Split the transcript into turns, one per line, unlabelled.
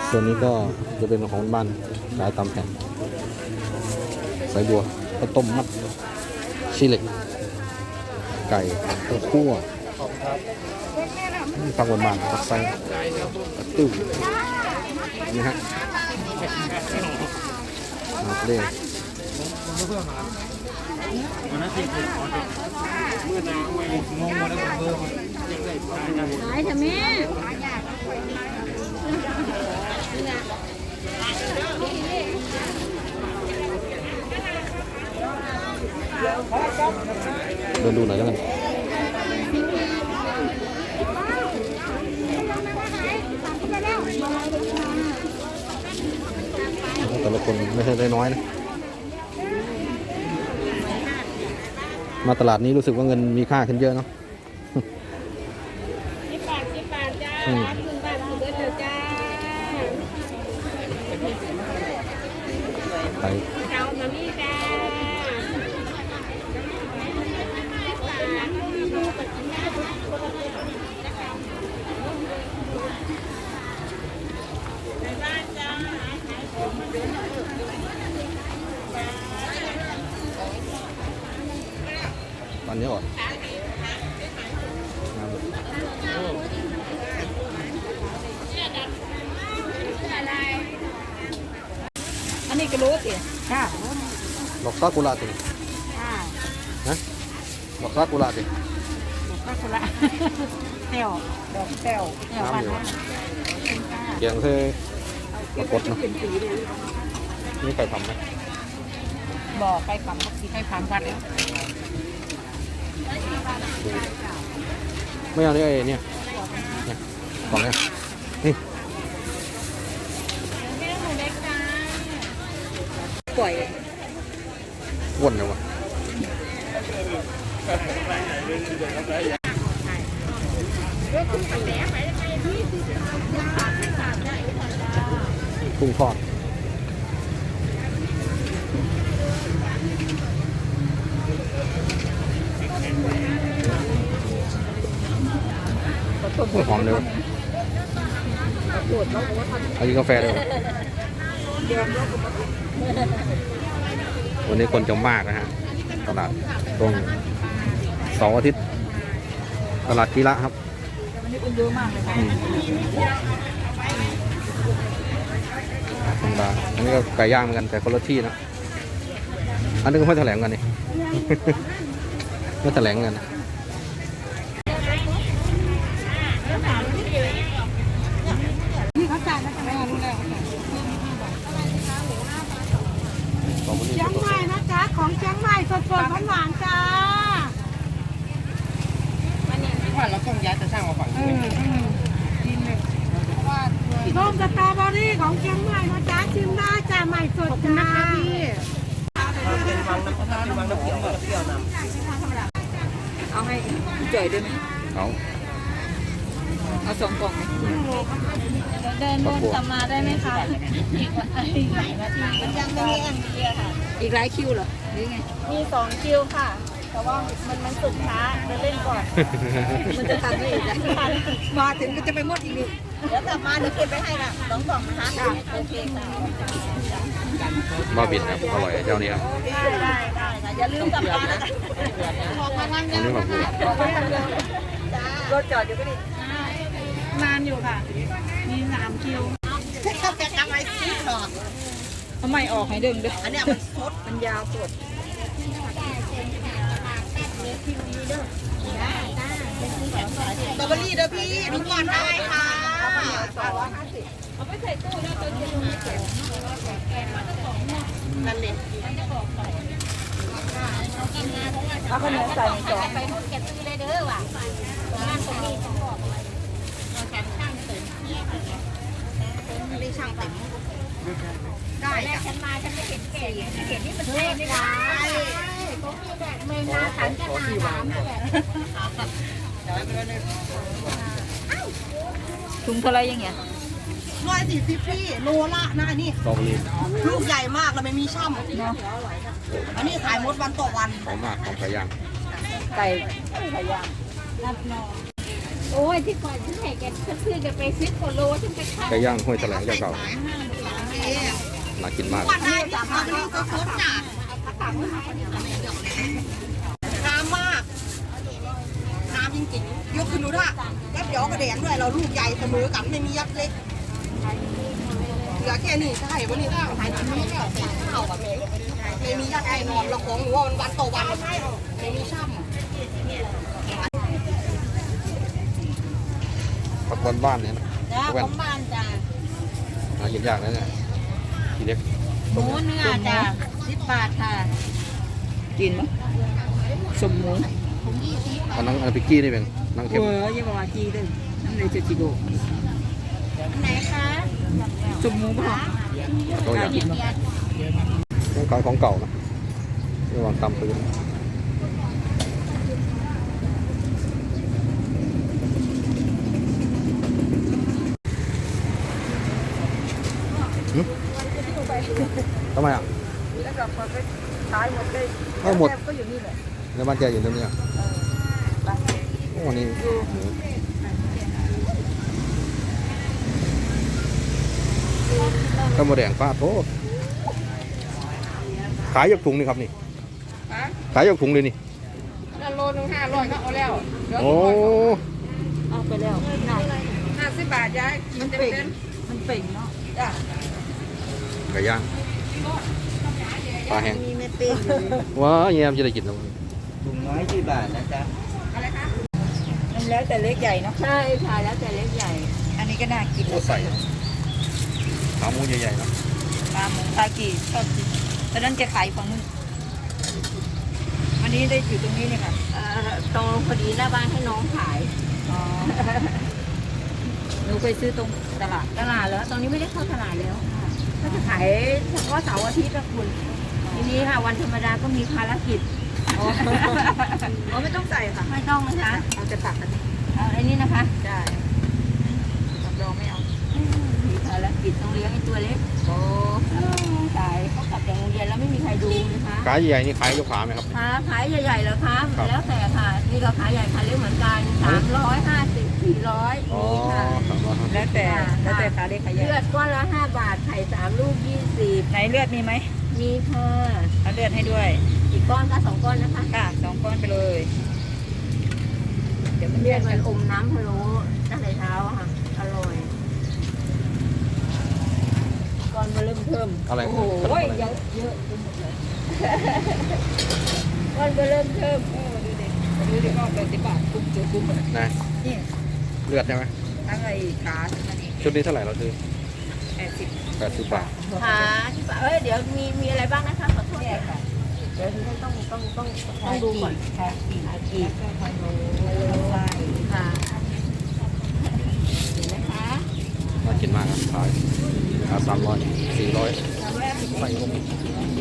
ส่วนนี้ก็จะเป็นของบ้านขายตามแผ่นสายบัวข้าวต้มมัดชีเหล็กไก่ข้าวคั่วฟังบนบ้านผักไส้ติ้วนี่ฮะมาเล่น
หายเถอะแม่
เดินดูหน่อยแล้วกันแต่ละคนไม่ใช่น้อยๆนะมาตลาดนี้รู้สึกว่าเงินมีค่าขึ้นเยอะเนาะ
10 บาทจ้าคุณบาทคุณเบิร์ดเถอะจ้า
ไป
เอามานี่จ้า
ตอนนี้อ่อน
อันนี้ก็รู้สิค่ะ
ดอกซากุระติ
ค่ะ
นะดอกซากุระติ
ดอกซากุระเต้วดอกเต้ว
น้ำอยู่เกียงเท่ปรากฏเนาะนี่ไก่ทำไหม
บอกไก่ปั๊มบักซีไก่ปั๊มวัดแล้ว
ไม่เอาเนี่ยเนี่ยกล่องเนี่ยนี่
ปล่อย
อ้วนเลยวะกุ้งทอดหอมเลยวะเอากินกาแฟเลยวะวันนี้คนจะมากนะฮะตลาดตรงเสาร์อาทิตย์ตลาดกีฬาครับ
วันนี้คนเยอะมากเลยค่ะ
ธรรมดาอันนี้ก็ไก่ย่างเหมือนกันแต่คนละที่นะอันนี้ก็ไม่แถลงกันนี่ ไม่แถลงกัน
นี่เขาจ่ายแล้วจะไม่รู้แล้วเชียงใหม่นะจ๊ะของเชียงใหม่สดๆหวานๆจ้า
ว่าเราต้องย้ายจะสร้างมาฝั่งนี้
กินเลยส้มสตรอเบอรี่ของเชียงใหม่นะจ๊ะชิมได้จ้าใหม่สดจ้า
เป็นวังน้ำเขียวแบบเปรี้ยวนำ
เอาให้จ่อยด้วยไหม
เอา
2 กล่องเดินวนกลับมาได้ไหมคะอีกหลายนาทีมันยังไม่มีแอมเบียค่ะอีกหลายคิวเหรอหรือไงมี2 คิวค่ะแต่ว่ามันสุดช้าจะเล่นก่อนมันจะทำให้อีกมาถึงก็จะไปหมดอีกเดี๋ยวกลับมาเดี๋ยวเก็บไปให้ละ2 กล่องนะคะโอเคค่ะ
บ้าบินครับอร่อยเจ้านี้ครับ
ได้อย่าลืมกลับมานะออกมาทางนี้รถจอดอยู่ก็ดีนานอยู่ค่ะมี3 คิว
เขาจะทำไมซีดหรอ
ทำไมออกให้ดึงด้วย
อันนี้มันสด
มันยาวสด
สตรอเบอรี่เด้อพี่ทุกคนได้ค่ะ
เอาไปใส่ตู้แล้วตัวเย็น
นั่นเลย
เอาขนมใส่ในจาน
ไปหมดเก็บซื้อเลยเด้อว่ะบ้านตรงนี้ต้องบอกเราแข่งช่างเสริม
นี่ช่างเต็มได้
แรกฉันมาฉันไม่เห็นแก่ไม่เห็นนี่มันแพงไม่ได้ผมมีแบบเมนาสันจะนาถามนี่แหละ
ถุงเท่าไรยังเงี้ย
140พี่โลละนะอันนี้
สตรอเบอรี่
ลูกใหญ่มากแล้วไม่มีช่ำเนาะอันนี้ขายหมดวันต่อวัน
หอมมากของไก่ย่าง
ไก่ย่างนับนอง
โอ้ยที่ก่อนฉันแห่กันซื้อกันไป10 กว่าโลฉันไปขาย
ไก่ย่างห้วยแถลงเจ้าเก่าน่ากินมาก
ได้จากมาดูก็ครบจ้ะน้ำมากน้ำจริงๆยกขึ้นดูท่ายับยอกระแดงด้วยเราลูกใหญ่เสมอกันไม่มียับเล็กเหลือแค่นี้ใช่วันนี้ก็ขายแบบนี้แล้วข้าวแบบนี้ไม่มียับแน่นอนเราของหนูว่ามันวันต่อวันไม่มีช่ำ
ผักบ้านๆเนี่ยนะ
จ้า
แว่
ข
น
องบ้านจ้า
หากินยากนะเนี่ยทีเล็ก
หมูเนื้อจ้า10 บาทค่ะ
กินมั้ยสมหมู
อันนั้นพิกกี้นี่เป็นนั่งเข็ม
ยังบอกว่าจีเลยนั่นเลยจะจีโด
อันไหนคะ
สมหมูป่ะ
ตัวอย่างต้องขายของเก่านะระหว่างตำพื้นทำไมอ่ะ
แล้วก็ไปขายหมดเลย
เอาหมด
ก็อยู่นี่แหละ
แล้วบ้านแกอยู่ตรงนี้อ่ะโอ้นี่ข้าวหมูแดงป้าโทษขายยกถุงนี่ครับนี่ขายยกถุงเลยนี่
โลนึง500ก็เอาแล้ว
โอ้
เอาไปแล้ว
50 บาทยายมันเต็มมันเป่งเนาะจ้ะ
ไก่ย่างปลาแห้ง
มีเม็ดปิ้ง
ว้าแยมจะได้กินแล้ว
ถุงน้อยกี่บาทนะจ๊ะอะไรคะมันแล้วแต่เล็กใหญ่เนาะ
ใช่ค่ะแล้วแต่เล็กใหญ่
อันนี้ก็น่ากิน
โอ้ใส่ขาหมูใหญ่ๆนะ
ปลาหมูปลากี่ชอบกินตอนนั้นจะขายของมึงวันนี้ได้อยู่ตรงนี้เนี่ยค่ะ
ตรงพอดีหน้าบ้านให้น้องขาย
อ๋อหนูเคยซื้อตรงตลาด
ตลาดแล้วตอนนี้ไม่ได้เข้าตลาดแล้วค่ะก็จะขายเฉพาะเสาร์อาทิตย์นะคุณทีนี้ค่ะวันธรรมดาก็มีภารกิจ
อ๋อไม่ต้องใส่ค่ะ
ไม่ต้องนะคะ
เราจะตักอันนี้
เอาอันนี้นะคะ
ได้รับรองไม่เอา
มีภารกิจต้องเลี้ยงไอ้ตัวเล็ก
โอ้
ขายเขากลับจากโรงเรียนแล้วไม่มีใครดูนะคะ
ขาใหญ่ๆนี่ขายยกขาไหมครับ
ขายใหญ่ๆเหรอคะ
ครับ
แล้วแต่ค่ะนี่ก็ขายใหญ่ขายเล็กเหมือนกัน350 400
อ๋อ
นี่ค่ะ
ครับว่า
แล้วแต่ขาเล็กขาใหญ่
เลือดก้อนละ5 บาทไข่3 ลูก 20
ไหนเลือดมีไหม
มีค่ะ
เอาเลือดให้ด้วย
อีกก้อนก็2 ก้อนนะคะ
ค่ะ2 ก้อนไปเลย เดี๋ยวมัน
เลื
เลื
อ
อ
ด
ด
มั
กัน น
อมน้ำพะโล้ตั้งแต่เช้าอะค่ะ อร่อยก้อนมาเริ่มเพิ่ม
อะไร
โอ้โห
ขนมอะไร
เยอะไปหมดเลยก้อนมาเริ่มเพิ่ม
ดูดิก็80 บาทคุ้มเจอคุ้มเลย
นะ
นี่
เลือดใช่ไหม
ทั้งไอ้ขาทั้งอันนี้
ชุดนี้เท่าไหร่เราซื้อ
80
80 บาท
ค่ะที่ป่ะเดี๋ยวมีอะไรบ้างนะคะขอโทษ
เนี่ยค่ะ
เดี๋ยวต้องดูก่อน
ขากี่
อากีพะโล้
ไส้
ค่ะเห็นไหมคะ
น่ากินมากครับขายราคา300 400ใส่ลง